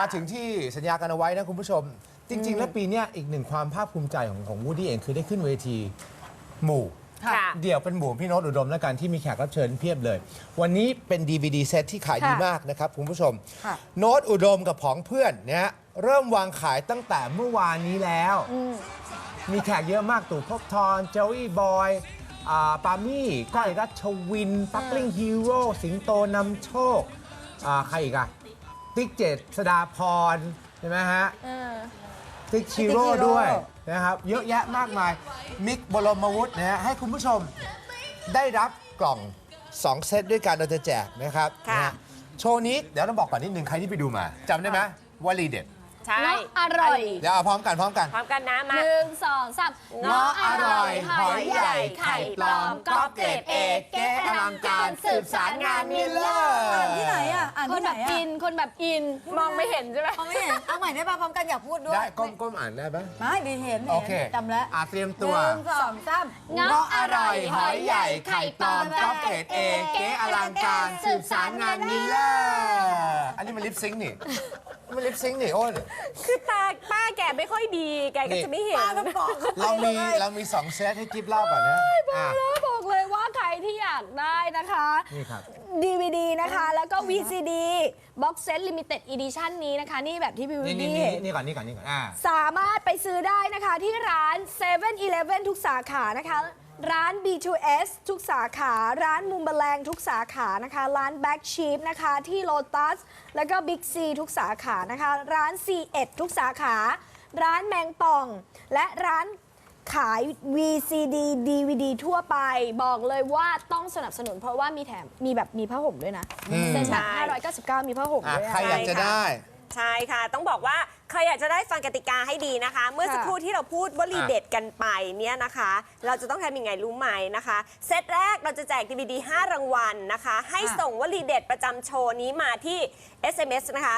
ถึงที่สัญญากันเอาไว้นะคุณผู้ชม จริง ๆ แล้วปีนี้อีกหนึ่งความภาคภูมิใจของวูดดี้เองคือได้ขึ้นเวทีหมู่เดี่ยวเป็นหมู่พี่โน้ตอุดมและกันที่มีแขกรับเชิญเพียบเลย วันนี้เป็น DVD เซตที่ขายดีมากนะครับคุณผู้ชมโน้ตอุดมกับผองเพื่อนเนี่ยเริ่มวางขายตั้งแต่เมื่อวานนี้แล้วมีแขกเยอะมากตู่ภพบทรเจลลี่บอยปามี่ก้อยรัชวินปักลิ่งฮีโร่สิงโตนำโชคใครอีกอะติ๊กเจษฎาพรใช่ไหมฮะติ๊กชิโร่ด้วยนะครับเยอะแยะมากมายมิกบรมวุฒินะฮะให้คุณผู้ชมได้รับกล่อง 2 เซตด้วยกันเราจะแจกนะครับโชว์นี้เดี๋ยวต้องบอกก่อนนิดนึงใครที่ไปดูมาจำได้ไหมวลีเด็ดใช่อร่อยเดี๋ยวเอาพร้อมกันนะมา 1 2 3 เงาะอร่อยหอยใหญ่ไข่ปลอมก๊อปเกรดเอเก๊อลังการสืบสารงานมิลเลอร์ที่ไหนอ่ะคนแบบอินคนแบบอินมองไม่เห็นใช่ไหมไม่เห็นเอาใหม่ได้ป่ะพร้อมกันอยากพูดด้วยได้ก้มอ่านได้ปะไม่ดีเห็นโอเคจำแล้วเตรียมตัว 1 2 3 เงาะอร่อยหอยใหญ่ไข่ปลอมก๊อปเกรดเอเก๊อลังการสืบสารงานมิลเลอร์อันนี้มันลิปซิงค์นี่มันลิปซิงค์นี่โอ้ยคือป้าแกไม่ค่อยดีแกก็จะไม่เห็นเรามี2 เซตให้กิฟเล่าก่อนนะบอกเลยว่าใครที่อยากได้นะคะนี่ครับ DVD นะคะแล้วก็ VCD Box Set Limited Edition นี้นะคะนี่แบบที่พี่วิวดี้นี่ก่อนสามารถไปซื้อได้นะคะที่ร้าน 7-Eleven ทุกสาขานะคะร้าน B2S ทุกสาขาร้านมุมแมลงทุกสาขานะคะร้าน Back Sheep นะคะที่ Lotus แล้วก็ Big C ทุกสาขานะคะร้าน C1 ทุกสาขาร้านแมงป่องและร้านขาย VCD DVD ทั่วไปบอกเลยว่าต้องสนับสนุนเพราะว่ามีผ้าห่มด้วยนะเซ็นแบบ599มีผ้าห่มด้วยใครอยากจะได้ใช่ค่ะต้องบอกว่าใครอยากจะได้ฟังกติกาให้ดีนะคะ เมื่อสักครู่ที่เราพูดวลีเด็ดกันไปเนี่ยนะคะเราจะต้องทำยังไงรู้ไหมนะคะเซตแรกเราจะแจก DVD 5 รางวัลนะคะให้ส่งวลีเด็ดประจำโชว์นี้มาที่ SMS นะคะ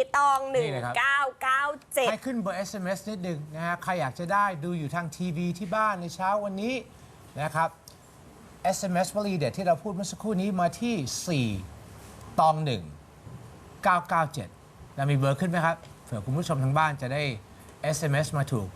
41997 ให้ขึ้นเบอร์ SMS นิดนึงนะฮะใครอยากจะได้ดูอยู่ทางทีวีที่บ้านในเช้าวันนี้นะครับ SMS วลีเด็ดที่เราพูดเมื่อสักครู่นี้มาที่41997เรามีเบอร์ขึ้นไหมครับเผื่อคุณผู้ชมทางบ้านจะได้ SMS มาถูก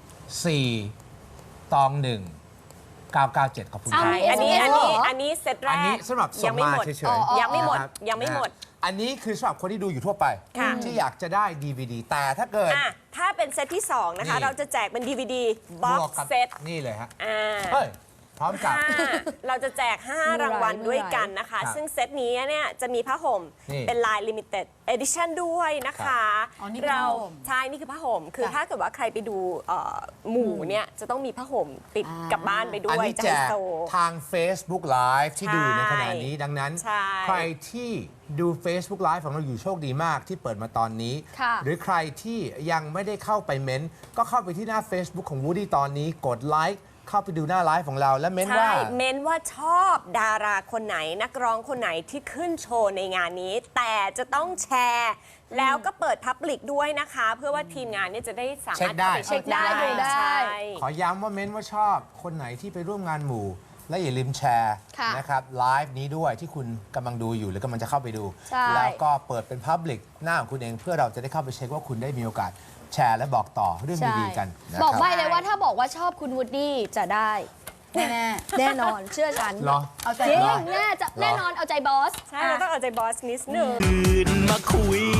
421 997ขอบคุณครับอันนี้เซตแรกอันนี้สำหรับส่งมาเฉยๆยังไม่หมดอันนี้คือสำหรับคนที่ดูอยู่ทั่วไปที่อยากจะได้ DVD แต่ถ้าเกิดถ้าเป็นเซตที่2นะคะเราจะแจกเป็น DVD Box Set นี่เลยฮะพร้อมกับเราจะแจก5 รางวัลด้วยกันนะคะซึ่งเซตนี้เนี่ยจะมีผ้าห่มเป็นลาย Limited Edition ด้วยนะคะใช่นี่คือผ้าห่มคือถ้าเกิดว่าใครไปดูหมู่เนี่ยจะต้องมีผ้าห่มติดกลับบ้านไปด้วยอันนี้แจกทาง Facebook Live ที่ดูในขณะนี้ดังนั้นใครที่ดู Facebook Live ของเราอยู่โชคดีมากที่เปิดมาตอนนี้หรือใครที่ยังไม่ได้เข้าไปเม้นก็เข้าไปที่หน้า Facebook ของ Woody ตอนนี้กดไลค์เข้าไปดูหน้าไลฟ์ของเราและเม้นว่าชอบดาราคนไหนนักร้องคนไหนที่ขึ้นโชว์ในงานนี้แต่จะต้องแชร์แล้วก็เปิดพับลิกด้วยนะคะเพื่อว่าทีมงานเนี่ยจะได้สามารถเช็คได้ดูได้ขอย้ำว่าเม้นว่าชอบคนไหนที่ไปร่วมงานหมู่และอย่าลืมแชร์นะครับไลฟ์นี้ด้วยที่คุณกำลังดูอยู่หรือกำลังจะเข้าไปดูแล้วก็เปิดเป็นพับลิกหน้าของคุณเองเพื่อเราจะได้เข้าไปเช็คว่าคุณได้มีโอกาสแชร์และบอกต่อเรื่องดีๆกันบอกใบ้เลยว่าถ้าบอกว่าชอบคุณวูดดี้จะได้แน่นอนเชื่อฉันเอาใจจริงแน่นอนเอาใจบอสใช่เราต้องเอาใจบอสนิดนึงมาคุย